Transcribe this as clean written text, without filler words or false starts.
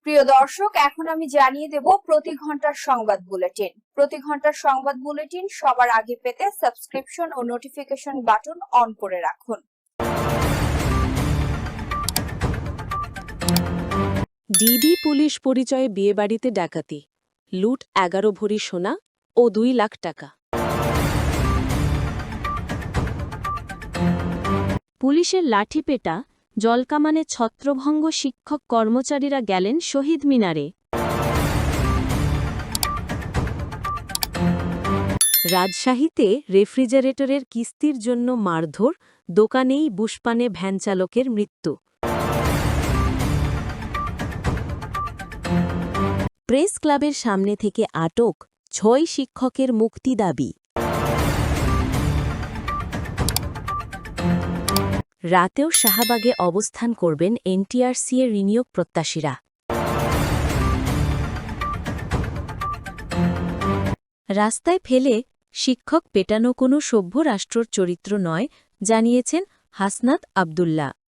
প্রিয় দর্শক, এখন আমি জানিয়ে দেব প্রতি ঘন্টার সংবাদ বুলেটিন। প্রতি ঘন্টার সংবাদ বুলেটিন সবার আগে পেতে সাবস্ক্রিপশন ও নোটিফিকেশন বাটন অন করে রাখুন। ডিবি পুলিশ পরিচয়ে বিয়েবাড়িতে ডাকাতি, লুট 11 ভরি সোনা ও 2 লাখ টাকা। পুলিশের লাঠিপেটা, জলকামানে ছত্রভঙ্গ, শিক্ষক কর্মচারীরা গেলেন শহীদ মিনারে। রাজশাহীতে রেফ্রিজারেটরের কিস্তির জন্য মারধর, দোকানেই বুশপানে ভ্যানচালকের মৃত্যু। প্রেস ক্লাবের সামনে থেকে আটক 6 শিক্ষকের মুক্তি দাবি। রাতেও শাহবাগে অবস্থান করবেন এনটিআরসি এর নিয়োগ প্রত্যাশীরা। রাস্তায় ফেলে শিক্ষক পেটানো কোনো সভ্য রাষ্ট্রর চরিত্র নয়, জানিয়েছেন হাসনাত আবদুল্লাহ।